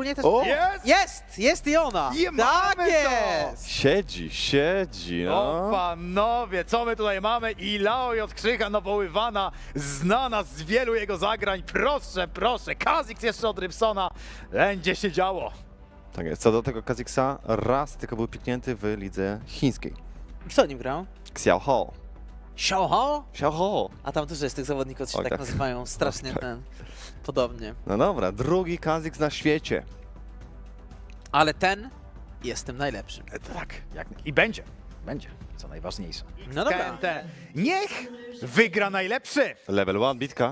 mnie też... O! Jest i ona! I mamy to! jest! Siedzi, O no. panowie, co my tutaj mamy? Ilaoi od Krzycha nawoływana, znana z wielu jego zagrań. Proszę, proszę, Kha'Zix jeszcze od Rybsona. Będzie się działo. Tak jest. Co do tego Kha'Zixa, raz tylko był piknięty w lidze chińskiej. Kto nim grał? Xiao Ho. Xiaoho? Xiao Ho. A tam dużo jest tych zawodników, co się Oj, tak tak. nazywają, strasznie Tak. podobnie. No dobra, drugi Kha'Zix na świecie. Ale ten jest tym najlepszym. Tak, i będzie, co najważniejsze. No dobra. KMT. Niech wygra najlepszy. Level 1, bitka.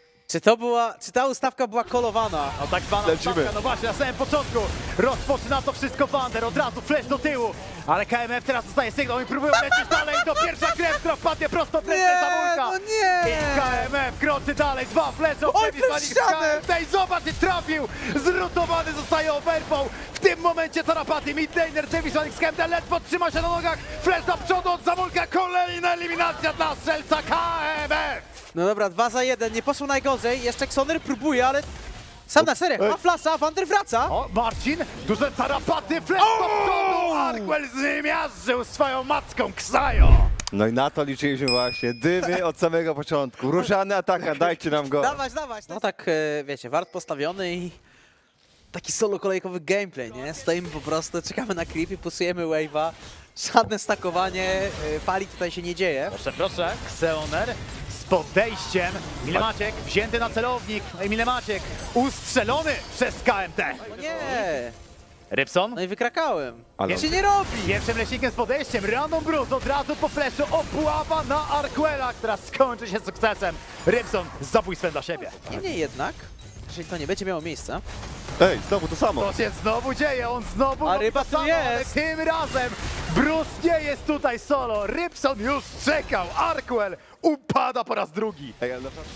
Czy ta ustawka była kolowana? No tak zwana Lecimy. stawka, no właśnie, na samym początku rozpoczyna to wszystko Wander, od razu flash do tyłu, ale KMF teraz dostaje sygnał i próbują lecieć dalej, to pierwsza krew, która wpadnie prosto w ręce Zamulka. no nie! I KMF kroczy dalej, dwa flesze, Oj, przez ścianę! i zobacz, i trafił, zrutowany zostaje overpoł, w tym momencie tarapaty, midlaner, Javisonic z KMD ledwo trzyma się na nogach, flash do przodu od Zamulka, kolejna eliminacja dla strzelca KMF. No dobra, 2 za 1, nie poszło najgorzej, jeszcze Xoner próbuje, ale... Sam na serio, ma flasza, Wander wraca! O, Marcin, duże tarapaty, flash do przodu, Arkwell zmiażdżył swoją macką Ksajo. No i na to liczyliśmy właśnie. Dymy od samego początku. Różany ataka, dajcie nam go. Dawać! No tak, wiecie, wart postawiony i... Taki solo kolejkowy gameplay, nie? Stoimy po prostu, czekamy na creep i pusujemy wave'a. Żadne stakowanie, pali tutaj się nie dzieje. Proszę, proszę, Xeoner z podejściem, Milemaciek wzięty na celownik, no i Milemaciek ustrzelony przez KMT. O nie! Rybson No i wykrakałem. Ale- Jak się nie robi! pierwszym leśnikiem z podejściem, Random Bruce od razu po fleszu, obława na Arkwella, która skończy się sukcesem. Rybson z zabójstwem dla siebie. Niemniej jednak, jeżeli to nie będzie miało miejsca, Ej, znowu to samo. To się znowu dzieje, on znowu A robi ryba to tu samo, jest. ale tym razem Bruce nie jest tutaj solo. Rybson już czekał, Arkwell upada po raz drugi. Ej, ale naprawdę.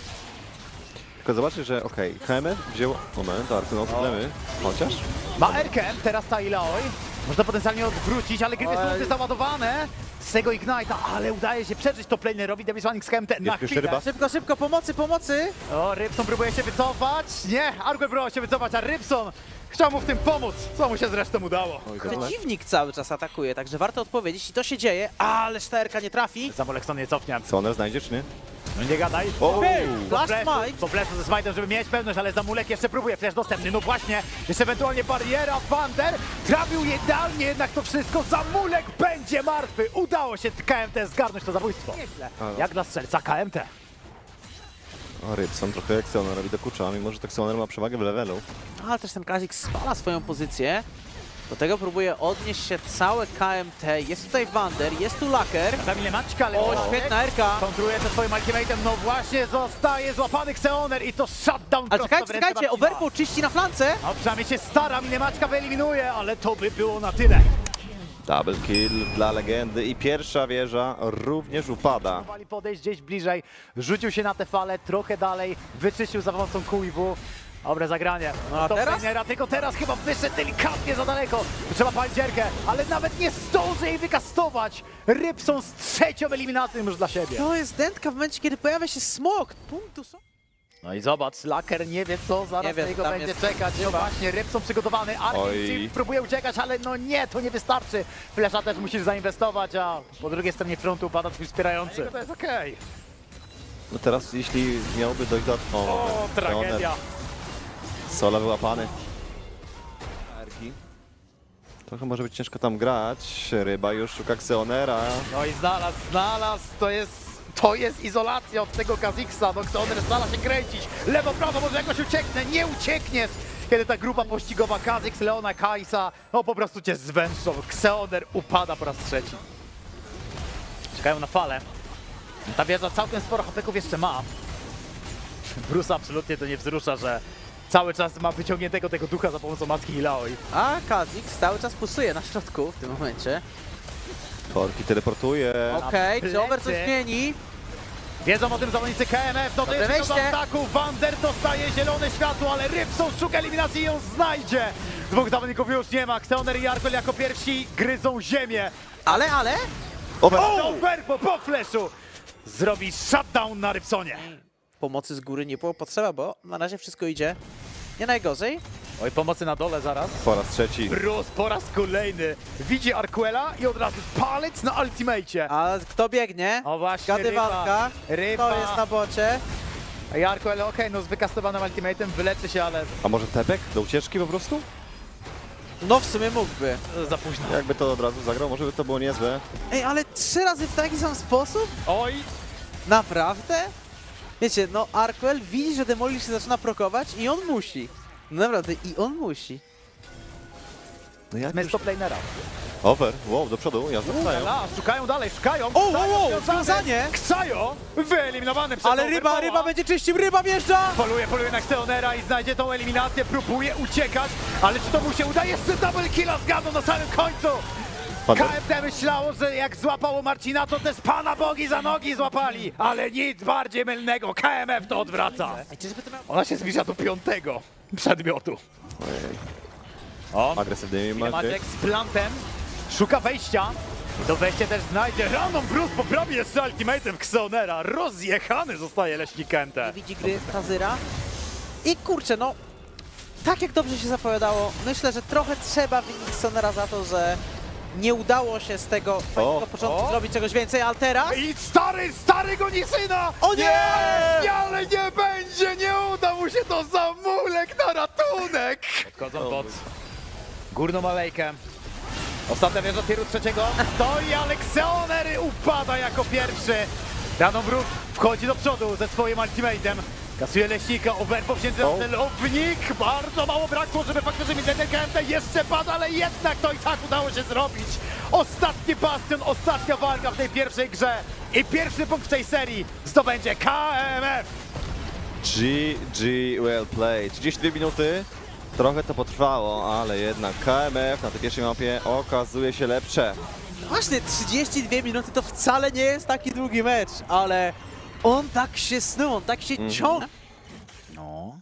Tylko zobaczcie, że okej, KMF wziął... Moment, Arsenal, problemy. Chociaż? Ma Erkem, teraz ta Ilaoi. Można potencjalnie odwrócić, ale gry Oj. są załadowane z tego Ignite'a, ale udaje się przeżyć to planerowi Devisonic z KMT na pierwszy chwilę. ryba. szybko, pomocy! O, Rybson próbuje się wycofać. Nie, Arkwell próbował się wycofać, a Rybson chciał mu w tym pomóc, co mu się zresztą udało. Oj, Przeciwnik cały czas atakuje, także warto odpowiedzieć i to się dzieje, ale szterka nie trafi. Zamolekson nie cofnie. Soner znajdzie, czy nie? No nie gadaj. O! Flash Po Smite. flashu ze smite'em, żeby mieć pewność, ale Zamulek jeszcze próbuje, flash dostępny, no właśnie, jeszcze ewentualnie bariera, Wander trafił idealnie jednak to wszystko, Zamulek będzie martwy, udało się KMT zgarnąć to zabójstwo. Nieźle, jak dla strzelca KMT. O, Rybson trochę jak Soner robi dokucza, mimo że tak Soner ma przewagę w levelu. Ale też ten Kha'Zix spala swoją pozycję. Do tego próbuje odnieść się całe KMT. Jest tutaj Wander, jest tu Laker. Kamil Maćka, ale O, świetna Erka. kontruje ze swoim ultimatem, no właśnie zostaje złapany Xeoner i to shutdown Ale prosto w ręce czekajcie, Marcina. Overpool czyści na flance. No przynajmniej się stara, Milemaczka wyeliminuje, ale to by było na tyle. Double kill dla legendy i pierwsza wieża również upada. Próbowali podejść gdzieś bliżej, rzucił się na tę falę, trochę dalej, wyczyścił za pomocą QIW. Dobre zagranie. No a To teraz? Fenera, tylko teraz chyba wyszedł delikatnie za daleko. Trzeba palić dziergę, ale nawet nie zdąży jej wykastować. Rybson z trzecią eliminacją już dla siebie. To jest dętka w momencie, kiedy pojawia się smok. Punktu są. No i zobacz, Laker nie wie co zaraz Nie wie, na niego tam będzie jest czekać. No chyba. właśnie, Rybson przygotowany, Oj. Arkin próbuje uciekać, ale no nie, to nie wystarczy. Flesza też musisz zainwestować, a po drugiej stronie frontu upada twój wspierający. To jest okej. No teraz jeśli miałby dojść do... O, tragedia. Sola wyłapany. Trochę może być ciężko tam grać. Ryba już szuka Xeonera. No i znalazł, to jest izolacja od tego Kha'Zixa, no Xeoner stara się kręcić, lewo, prawo, może jakoś ucieknę, nie uciekniesz, kiedy ta grupa pościgowa Kha'Zix, Leona, Kaisa, no po prostu cię zwęszą, Xeoner upada po raz trzeci. Czekają na falę, ta wieża całkiem sporo hapeków jeszcze ma. Bruce absolutnie to nie wzrusza, że cały czas ma wyciągniętego tego ducha za pomocą matki Ilaoi. A Kha'Zix cały czas pusuje na środku w tym momencie. Korki teleportuje. Okej, plecy. czy Over coś zmieni? Wiedzą o tym zawodnicy KMF, no to Dobre jest do wejście. ataku, Wander dostaje zielone światło, ale Rybson szuka eliminacji i ją znajdzie. Dwóch zawodników już nie ma, Xeoner i Arkwell jako pierwsi gryzą ziemię. Ale... Over. O, Verpo po flashu zrobi shutdown na Rybsonie. Pomocy z góry nie było potrzeba, bo na razie wszystko idzie nie najgorzej. Oj, pomocy na dole zaraz. Po raz trzeci. Bruce po raz kolejny widzi Arquela i od razu palec na ultimacie. A kto biegnie? O właśnie, Gadywanka. Ryba. To jest na bocie. I Arquel, okej, no z wykastowanym ultimatem wyleczy się, ale A może tepek do ucieczki po prostu? No w sumie mógłby. za późno. Jakby to od razu zagrał, może by to było niezłe. Ej, ale 3 razy w taki sam sposób? Oj, Naprawdę? Wiecie, no Arquel widzi, że Demolish się zaczyna prokować i on musi. No naprawdę, i on musi. No jak z planera. Over, wow, do przodu, jazda wstają. Szukają dalej, szukają. O, Ksajo wow, związany. związanie. Ksajo wyeliminowany przez Ale Overpoła. ryba będzie czyścił, ryba wjeżdża! Poluje na Xeonera i znajdzie tą eliminację, próbuje uciekać, ale czy to mu się uda? Jeszcze double killa zgadną na samym końcu! Thunder. KMT myślało, że jak złapało Marcina, to też Pana Bogi za nogi złapali, ale nic bardziej mylnego, KMF to odwraca. Ej, czyżby to miał... Ona się zbliża do 5. przedmiotu. Ojej, O, agresywny Maciek. Maciek z plantem, szuka wejścia. I to wejście też znajdzie. Random Bruce poprawi jeszcze ultimatem Xeonera. Rozjechany zostaje leśnik KMT. Nie widzi gry Kazyra. I kurczę, no... Tak jak dobrze się zapowiadało, myślę, że trochę trzeba winić Sonera za to, że nie udało się z tego fajnego początku o. zrobić czegoś więcej, ale teraz... I stary goni syna! O nie! Ale nie będzie, nie uda mu się to zamulek na ratunek! Odchodzą pod górną alejkę. Ostatnia wieża tiru 3. Stoi, ale Xeoner upada jako pierwszy. Random Brook wchodzi do przodu ze swoim ultimatem. Kasuje leśnika, Overpo wzięty na celownik. Bardzo mało brakło, żeby faktycznie mieć ten KMT. Jeszcze pada, ale jednak to i tak udało się zrobić. Ostatni bastion, ostatnia walka w tej pierwszej grze. I pierwszy punkt w tej serii zdobędzie KMF. GG, well played. 32 minuty. Trochę to potrwało, ale jednak KMF na tej pierwszej mapie okazuje się lepsze. Właśnie 32 minuty to wcale nie jest taki długi mecz, ale on tak się snuł, on tak się ciągnie. No.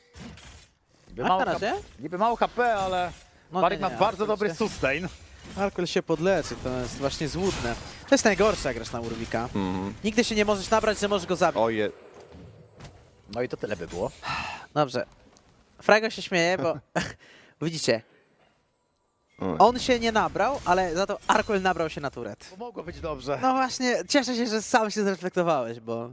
A na razie? Niby mało HP, ale No Barik nie, ma nie, bardzo dobry oczywiście. sustain. Arquel się podleczy, to jest właśnie złudne. To jest najgorsze, jak grasz na Urwika. Nigdy się nie możesz nabrać, że możesz go zabić. Oje, No i to tyle by było. Dobrze. Frago się śmieje, bo widzicie, Oj. on się nie nabrał, ale za to Arquel nabrał się na turet. Mogło być dobrze. No właśnie, cieszę się, że sam się zreflektowałeś, bo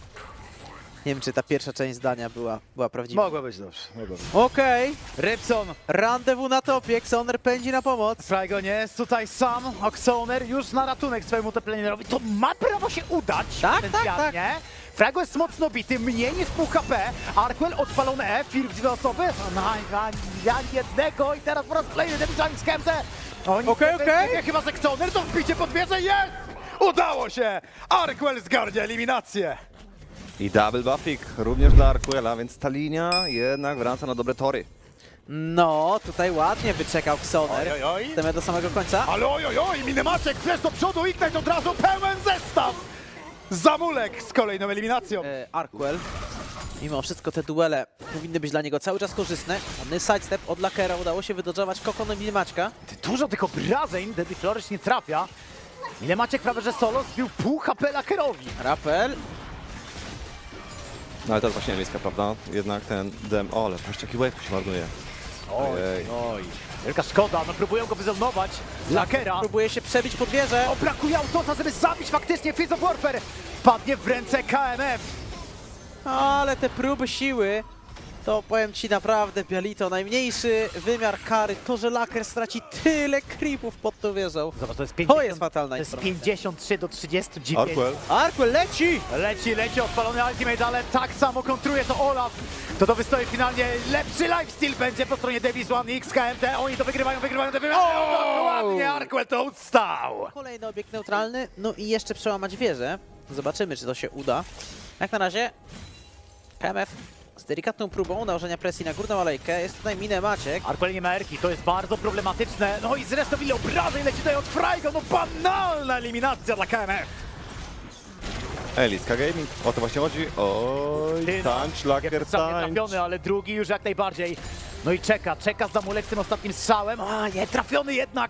nie wiem, czy ta pierwsza część zdania była prawdziwa. Mogło być dobrze. Mogło być. Okej, Rybson, randewu na topie, Xeoner pędzi na pomoc. Frajgo nie jest tutaj sam, Oxoner już na ratunek swojemu teplanerowi. To ma prawo się udać Tak, potencjalnie. Frajgo jest mocno bity, mniej niż pół HP. Arquel odpalone E, Firk dwie osoby. Ja jednego i teraz po raz kolejny debiutami z KMT. Okej. Chyba z Oxoner, to wbicie pod wieżę jest! Udało się! Arquel zgarnia eliminację. i double buffik również dla Arquela, więc ta linia jednak wraca na dobre tory. No, tutaj ładnie wyczekał Xeoner. Oj. Chcemy do samego końca. Ale oj, Minemaczek, flash do przodu, Ignite od razu, pełen zestaw! Zamulek z kolejną eliminacją. Arquel. Mimo wszystko te duele powinny być dla niego cały czas korzystne. Ładny sidestep od Lakera, udało się wydodżować Kokon i Minimaczka. Dużo tych obrażeń, Deadly Flourish nie trafia. Minemaczek prawie że solo zbił pół HP Lakerowi. Rapel. No ale to jest właśnie miejska, prawda? Jednak ten dem... O, ale patrz, jaki wave się marnuje. Ojej. Oj. Wielka szkoda, no próbują go wyzonować. Lakera. Próbuje się przebić pod wieżę. O, brakuje autosa, żeby zabić faktycznie Fizz of Warfare. Padnie w ręce KMF. Ale te próby siły, to powiem ci naprawdę, Bialito, najmniejszy wymiar kary, to, że Laker straci tyle creepów pod tą wieżą. Zobacz, to jest To jest fatalna To jest informacja. 53 do 39. Arquel. Arquel leci! Leci odpalony ultimate, ale tak samo kontruje to Olaf. To wystoi finalnie lepszy lifesteal będzie po stronie Davis One X KMT. Oni to wygrywają. Ładnie Arquel to ustał. Kolejny obiekt neutralny, no i jeszcze przełamać wieżę. Zobaczymy, czy to się uda. Jak na razie KMF z delikatną próbą nałożenia presji na górną alejkę. Jest tutaj Minemaczek. Arquel nie ma erki, to jest bardzo problematyczne. No i zresztą ile obrażeń leci tutaj od Frajgo. No banalna eliminacja dla KMF. Eliska Gaming, o to właśnie chodzi. Oj, Ty, no, tańcz, laker, Jeden strzał nie tańcz. trafiony, ale drugi już jak najbardziej. No i czeka Zamulek z tym ostatnim strzałem. A nie, trafiony jednak.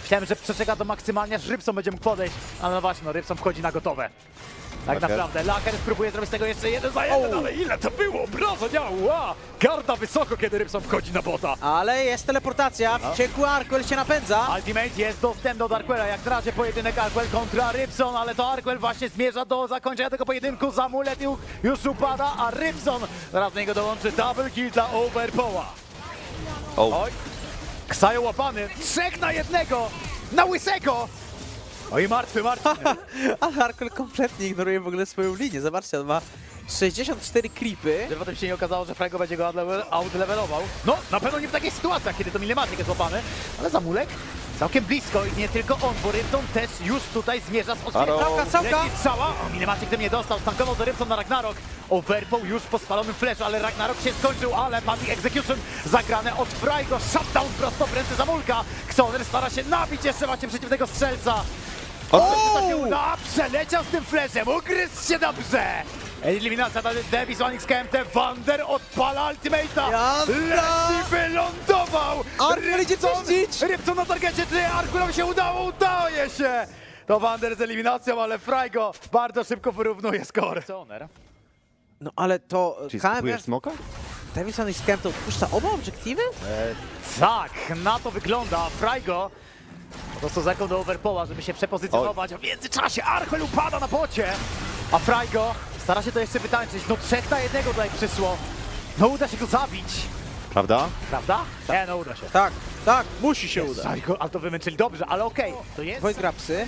Myślałem, że przeczeka do maksymalnie, aż Rybson będzie mógł podejść, ale no właśnie, no Rybson wchodzi na gotowe. Tak Laker. naprawdę, Laker spróbuje zrobić z tego jeszcze 1-za-1, ale ile to było? Brazonia, garda wysoko, kiedy Rybson wchodzi na bota. Ale jest teleportacja, wściekły Arkwell się napędza. Ultimate jest dostępny do Arquela, jak na razie pojedynek Arquel kontra Rybson, ale to Arquel właśnie zmierza do zakończenia tego pojedynku, Zamulet już upada, a Rybson zaraz do niego dołączy double kill dla Overpoła. O, Oj, Ksajo łapany, 3 na 1, na łysego! Oj, martwy. Ale Arkwell kompletnie ignoruje w ogóle swoją linię. Zobaczcie, on ma 64 creepy. Żeby potem się nie okazało, że Frango będzie go outlevelował. No, na pewno nie w takich sytuacjach, kiedy to Milematic jest łapany, ale Zamulek całkiem blisko i nie tylko on, bo Rybson też już tutaj zmierza z Halo. odcinkiem. Strzałka. Leci strzała, o Milematic tym nie dostał, stankował do Rybson na Ragnarok. Overpoł już po spalonym flashu, ale Ragnarok się skończył, ale Body Execution zagrane od Frajgo, shutdown prosto w ręce Zamulka. Xoner stara się nabić jeszcze właśnie przeciwnego strzelca. O! To się uda, przeleciał z tym flashem, ugryzł się dobrze! Eliminacja dla Davis, Onyx KMT, Wander odpala ultimate'a! Jazda! Leci, wylądował! Arkwell idzie czyścić! Rybson na targecie, czy Arkwellowi się udaje się! To Wander z eliminacją, ale Frajgo bardzo szybko wyrównuje score. No ale to czyli skupujesz KMF, smoka? Davison i Scam to odpuszcza oba obiektywy? Tak, na to wygląda. Frajgo po prostu zaką do Overpoła, żeby się przepozycjonować, a w międzyczasie Arkwell upada na bocie, a Frajgo stara się to jeszcze wytańczyć. No 3 na 1 tutaj przyszło. No uda się go zabić, Prawda? prawda? Nie, no uda się. Tak, musi się udać. Frajgo, ale to wymęczyli dobrze, ale okej. To jest... Dwoje grapsy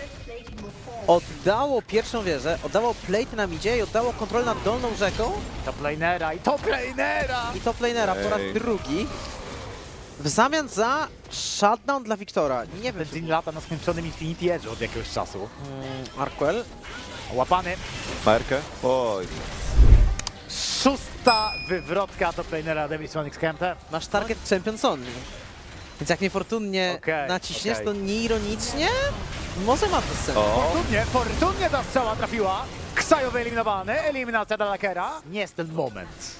oddało pierwszą wieżę, oddało plate na midzie i oddało kontrolę nad dolną rzeką Top lanera i top lanera! i top lanera po raz Ej. drugi. W zamian za shutdown dla Wiktora. Nie wiem, Benzin lata na skończonym Infinity Edge od jakiegoś czasu. Arkwell. Łapany. Markę? Oj. 6. wywrotka top lanera Davis Onyx KMT. Masz target Champions Only. Więc jak niefortunnie Okej, naciśniesz, okej. to nieironicznie może ma to sens. O, Fortunnie ta strzała trafiła. Ksajo wyeliminowany, eliminacja dla Lakera. Nie jest ten moment.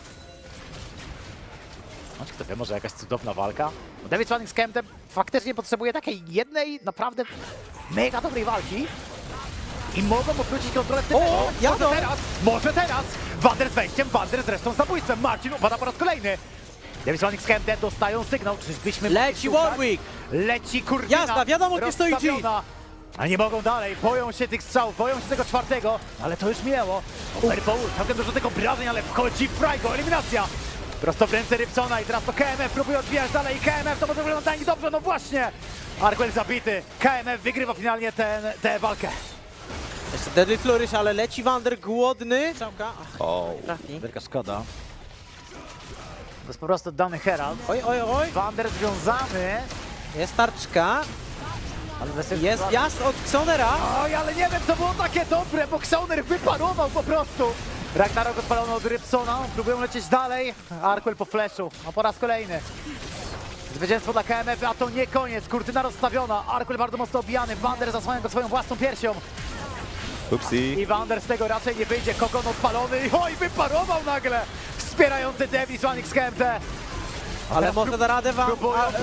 No, kto wie, może jakaś cudowna walka? Bo David Fanning z Kemptem faktycznie potrzebuje takiej jednej naprawdę mega dobrej walki. I mogą obrócić kontrolę w tym meczu. jadą! Może teraz! Wander z wejściem, Wander z resztą zabójstwem. Marcin upada po raz kolejny. David Fanning z Kemptem dostają sygnał, czyżbyśmy mogli Leci szukać? Warwick! Leci kurwina. Jazda, wiadomo, gdzie stoi G. rozstawiona. Ale nie mogą dalej, boją się tych strzałów, boją się tego 4, ale to już minęło. Overpool, całkiem dużo tych obrażeń, ale wchodzi Frajgo, eliminacja. Prosto w ręce Rybsona i teraz to KMF próbuje odbijać dalej. KMF to może wyglądać dobrze, no właśnie. Arkwell zabity, KMF wygrywa finalnie tę walkę. Jeszcze Deadly Flourish, ale leci Wander głodny. Strzałka. Ach, o. trafi. Wielka szkoda. To jest po prostu dany Herald. Oj. Wander związany, Jest tarczka. ale wesoły Jest sytuacji. wjazd od Xonera. Oj, ale nie wiem, to było takie dobre, bo Xoner wyparował po prostu. Ragnarok odpalony od Rybsona, próbują lecieć dalej. Arkwell po flashu, a po raz kolejny. Zwycięstwo dla KMF, a to nie koniec. Kurtyna rozstawiona, Arkwell bardzo mocno obijany. Wander zasłania go swoją własną piersią. Upsi. I Wander z tego raczej nie wyjdzie. Kokon odpalony i oj, wyparował nagle. Wspierający Davis Onyx KMT. Ale może da radę wam.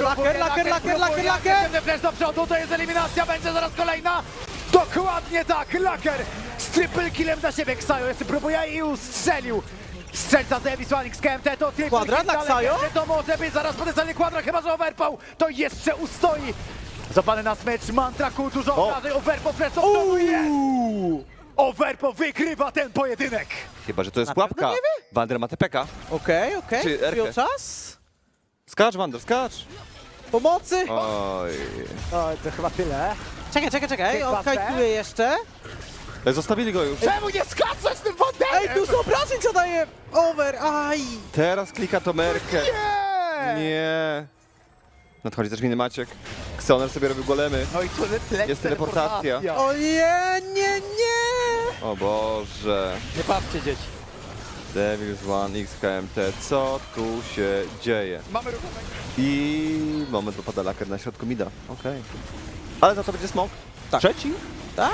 Laker. Flash do przodu, to jest eliminacja, będzie zaraz kolejna. Dokładnie tak, Laker z triple killem dla siebie. Ksajo jeszcze próbuje i ustrzelił. Strzelca Davis Onyx KMT to triple Kwadra kill dla dla Ksajo? Legendy. To może być zaraz potencjalnie kwadra, chyba że Overpoł to jeszcze ustoi. Złapany na smycz, Mantraku, dużo O. obrażeń, Overpoł flash do przodu jest. Overpoł wygrywa ten pojedynek. Chyba, że to jest Na pewno pułapka. nie wie? Wander ma TPK. Okej. Czy Przyjął Erkę? czas. Skacz, Wander, skacz. Pomocy. Oj. Oj, to chyba tyle. Czekaj. On Chyba kajtuje jeszcze. Zostawili go już. Czemu nie skaczesz tym Wanderem? Ej, dużo obrażeń zadaje. Over. Aj. Teraz klika to Merkę. Nie! Nie. Nadchodzi też miny Maciek. Xoner sobie robił golemy. No i tu leci Jest teleportacja. O nie. O Boże. Nie patrzcie, dzieci. Devils One X KMT. Co tu się dzieje? Mamy ruchomego. I moment wypada Laker na środku mida. Okej. Ale za to będzie smok. Tak. Trzeci? Tak.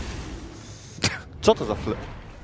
Co to za fle...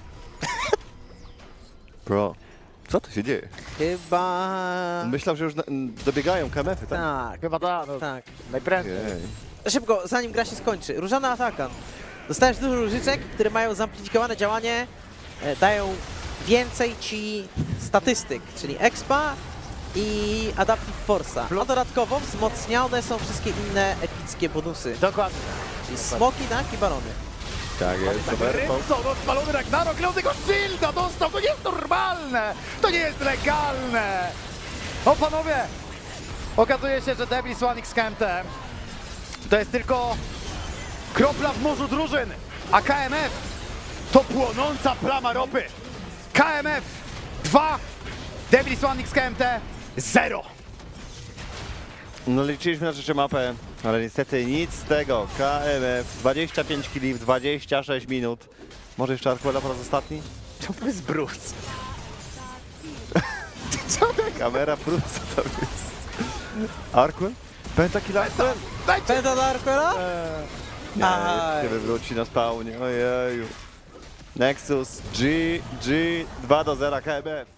Bro. Co tu się dzieje? Chyba... Myślał, że już dobiegają KMF-y, tak? Tak. Chyba tak, no, Tak. najprędzej. Jej. szybko, zanim gra się skończy. Różana Atakan. Dostajesz dużo różyczek, które mają zamplifikowane działanie, dają więcej ci statystyk, czyli expa i adaptive force'a. A dodatkowo wzmocnione są wszystkie inne epickie bonusy, Dokładnie. czyli smoki, tak i barony. Tak jest, super. Rybson odpalony Ragnarok, Leon tego shielda dostał, to nie jest normalne, to nie jest legalne. O panowie, okazuje się, że Devil Swan X KMT to jest tylko kropla w morzu drużyn, a KMF to płonąca plama ropy. KMF 2, Devil Swan X KMT 0. No liczyliśmy na trzecią mapę, ale niestety nic z tego. KMF 25 kili w 26 minut. Może jeszcze Arquela po raz ostatni? To jest Bruce. Co ta kamera? Bruce, co to jest? Arquel? Pentakill Arquel? Dajcie! Penta do Arquela? Nie, Aj. nie wywróci na spawnie, ojeju. Nexus, G, 2-0 KMF.